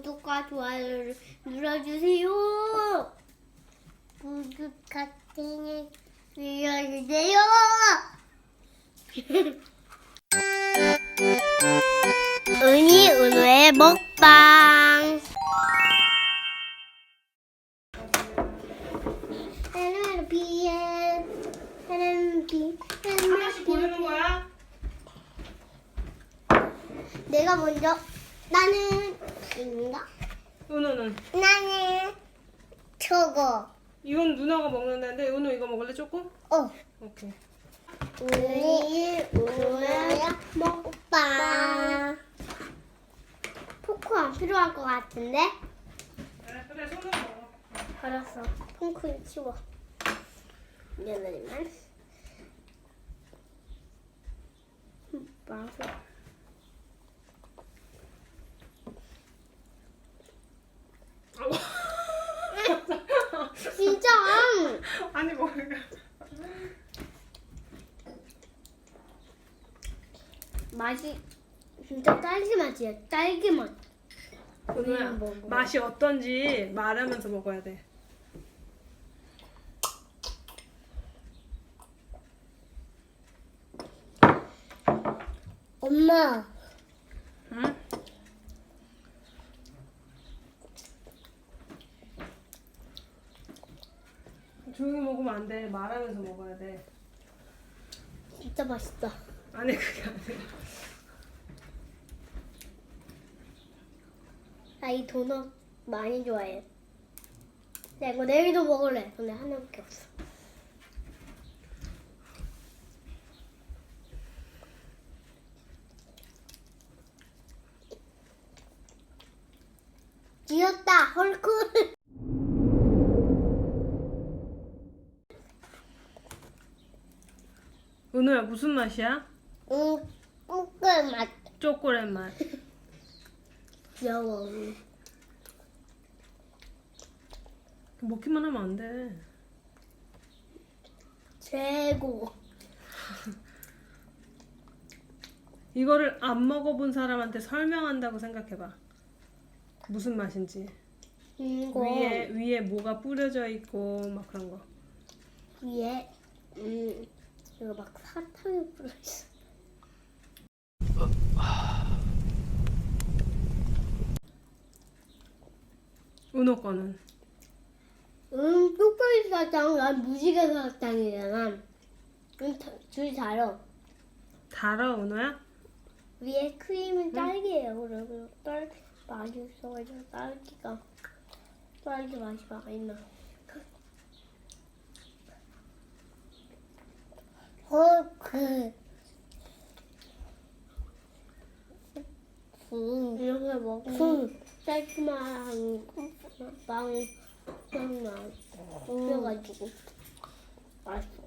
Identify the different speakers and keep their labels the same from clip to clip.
Speaker 1: 구독과 좋아요를 눌러주세요. 구독 버튼을 눌러주세요. 은희 은우의 먹방.
Speaker 2: 하나씩 고르는 거야?
Speaker 1: 내가 먼저. 나는 인가?
Speaker 2: 은우는?
Speaker 1: 나는 저거.
Speaker 2: 이건 누나가 먹는다는데 은우 이거 먹을래 조금? 오케이.
Speaker 1: 우리 은우의 먹방. 포크 안 필요할 것 같은데?
Speaker 2: 그래 손으로 먹어.
Speaker 1: 알았어. 퐁크를 치워. 미안하지만. 맛있어. 진짜.
Speaker 2: 아니 뭐야.
Speaker 1: 맛이 진짜 딸기 맛이야. 딸기 맛.
Speaker 2: 은우야
Speaker 1: 먹어.
Speaker 2: 맛이 어떤지 말하면서 먹어야 돼.
Speaker 1: 엄마.
Speaker 2: 응? 조용히 먹으면 안 돼. 말하면서 먹어야 돼.
Speaker 1: 진짜 맛있다.
Speaker 2: 아니 그게 아니라.
Speaker 1: 나 이 도넛 많이 좋아해. 나 이거 내일도 먹을래. 근데 하나밖에 없어. 귀엽다. 헐크.
Speaker 2: 은우야 무슨 맛이야?
Speaker 1: 꼬끌 맛.
Speaker 2: 초콜릿 맛.
Speaker 1: 귀여워.
Speaker 2: 먹기만 하면 안 돼.
Speaker 1: 최고.
Speaker 2: 이거를 안 먹어본 사람한테 설명한다고 생각해봐. 무슨 맛인지.
Speaker 1: 이거
Speaker 2: 위에 뭐가 뿌려져 있고 막 그런 거.
Speaker 1: 위에 이거 막 사탕이 뿌려 있어.
Speaker 2: 은호 거는.
Speaker 1: 초콜릿 사탕, 난 무지개 사탕이잖아. 둘이 달아.
Speaker 2: 달아 은호야?
Speaker 1: 위에 크림은 딸기예요. 그리고 딸기 맛이 있어가지고 딸기 맛이 많이 나. 헐크. 이렇게 먹으면 딸기맛 빵이 나. 그래가지고 맛있어.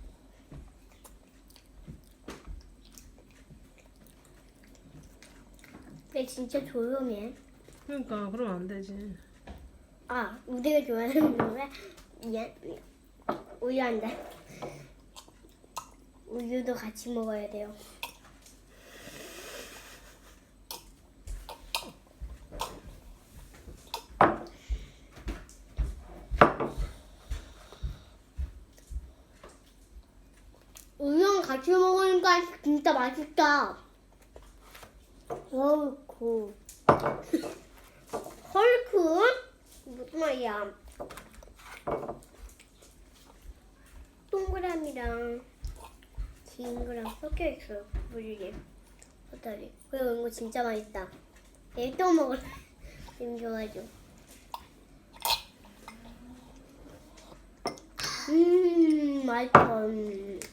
Speaker 1: 근데 진짜 조용해.
Speaker 2: 그러니까 그러면 안 되지.
Speaker 1: 아, 우리가 좋아하는 노래 우유 한 잔. 우유도 같이 먹어야 돼요. 우유랑 같이 먹으니까 진짜 맛있다. 헐크. 헐크? 무슨 말이야? 동그라미랑 긴 거랑 섞여 있어요. 무지개. 헛다리. 그리고 이거 진짜 맛있다. 얘 또 먹을래. 지금 좋아하죠. 맛있어.